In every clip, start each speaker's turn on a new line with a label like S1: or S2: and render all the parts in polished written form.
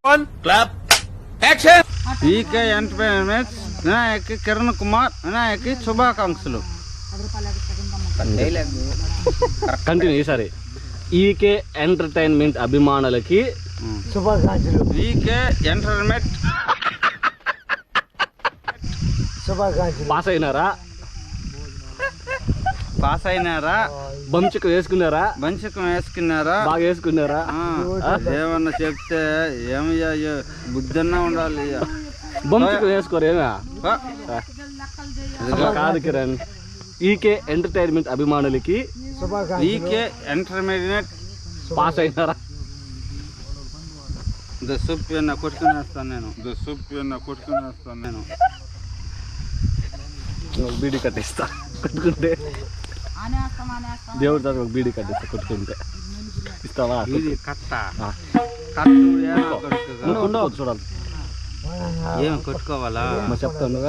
S1: Clap action.
S2: EK entertainments Vinayak Kiran Kumar Vinayak శుభాకాంక్షలు.
S3: Continue ఈసారి. EK entertainment అభిమానులకి
S2: శుభాకాంక్షలు. ఈకే ఎంటర్టైన్మెంట్ శుభాకాంక్షలు.
S3: పాస్ అయినారా?
S2: పాస్ అయినారా?
S3: బంచుకు వేసుకున్నారా?
S2: బంచకం వేసుకున్నారా?
S3: బాగా వేసుకున్నారా?
S2: ఏమన్నా చెప్తే ఏమయ్యా బుద్ధన్నా ఉండాలి.
S3: బంచుకు వేసుకోరేనా? కాదు కిరణ్, ఈకే ఎంటర్టైన్మెంట్ అభిమానులకి
S2: ఈకే ఎంటర్టైన్మెంట్
S3: పాస్ అయినారా?
S2: దసుప్యన్న కొట్టుకునేస్తాను నేను.
S3: బీడీ కట్టిస్తా కొట్టుకుంటే. దేవుడి తర్వాత ఒక బీడీ కట్టిస్తా కొట్టుకుంటే. ఇస్తావా? చూడాలి.
S2: ఏం కొట్టుకోవాలా?
S3: చెప్తాను.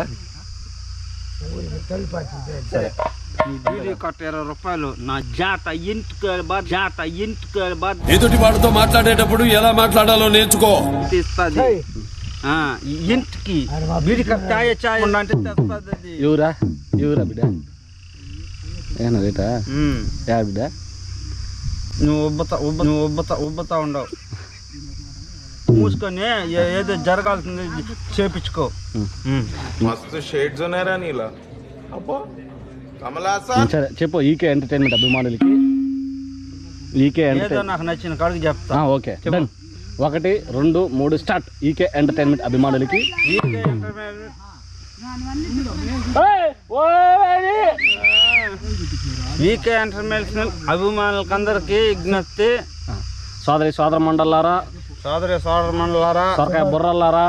S2: సరే, బీడీ కట్ట 20 రూపాయలు. నా జాత ఇంటికి
S1: ఎదుటి వాడితో మాట్లాడేటప్పుడు ఎలా మాట్లాడాలో నేర్చుకో.
S2: ఇస్తుంది ఇంటికి బీడీ కట్ట చాయ్ అంటే తెస్తుంది.
S3: ఎవరా బిడ్డ? ఏనా రేటా? బిడ్డ
S2: నువ్వు ఉబ్బతా ఉండవు. మూసుకొని ఏదో జరగాల్సింది చేపించుకో.
S3: సరే చెప్పు. ఈకే ఎంటర్టైన్మెంట్ అభిమానులకి
S2: ఏదో నాకు నచ్చిన కాడికి చెప్తా.
S3: Okay done. 1 2 3 start. EK entertainment అభిమానులకి
S2: ఈకే ఎంటర్టైన్మెంట్ అభిమానులకి అందరికీ విజ్ఞప్తి.
S3: సోదరి సోదర మండలారా, సొరకాయ బుర్రలారా,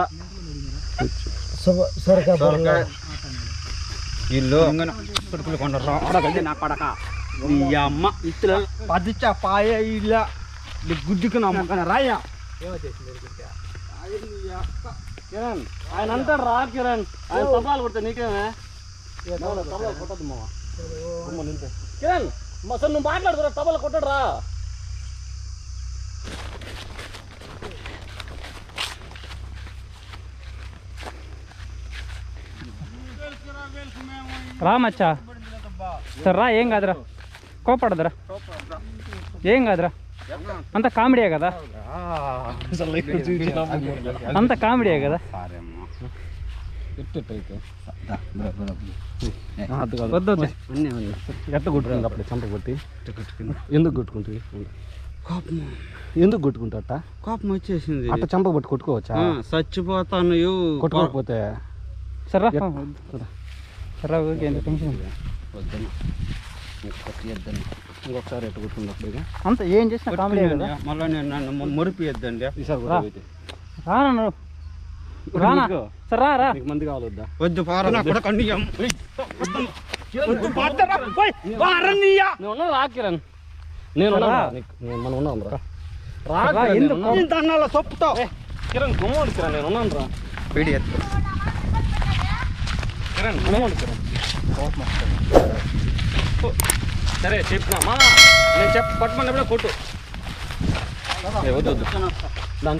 S2: ఇల్లు నా కొడక ఈ అమ్మ ఇట్లా 10 పాయ ఇలా గుడ్డుకు నమ్మకం రాయ్యా.
S3: కిరణ్ ఆయన అంటాడు రా. కిరణ్ ఆయన తబలాలు కొడితే నీకేమే? కొట్టద్దు మావా. కిరణ్ అసలు నువ్వు మాట్లాడుతున్నా, తబలా కొట్టడు రా.
S4: రా మచ్చా. సరే రా, ఏం కాదురా, కోపడదురా, ఏం కాదురా. అంత కామెడీయే కదా, అంత కామెడీయే కదా. వద్దు ఎట్ట కొట్టుకుంది అప్పుడు చంప కొట్టి? ఎందుకు కొట్టుకుంటుంది? ఎందుకు కొట్టుకుంటా?
S2: కోపం వచ్చేసింది.
S3: అట్ట చంప కొట్టి కొట్టుకోవచ్చా?
S2: చచ్చిపోతాను
S3: కొట్టుకోకపోతే.
S4: సరే రా, ఓకే. ఎంత టెన్షన్
S3: ఇంకొకసారి ఎట్ట కొట్టుకున్నప్పుడు
S4: అంత ఏం చేసినా కామెడీ కదా.
S2: మళ్ళీ నేను నన్ను మురిపియద్దండి.
S4: రానా రానా? సరే రా.
S3: నీకు మంది కావాలొద్దా?
S2: వద్దు పారా.
S3: రా కిరణ్, నేను మనం ఉన్నాం రా.
S2: చెప్తావు
S3: కిరణ్ గుమ్మడి కిరణ్, నేను ఉన్నాను రా. కిరణ్ గుమ్మడి కిరణ్. సరే చెప్పినామా? నేను పట్టుకున్నప్పుడే కొట్టు. వద్దు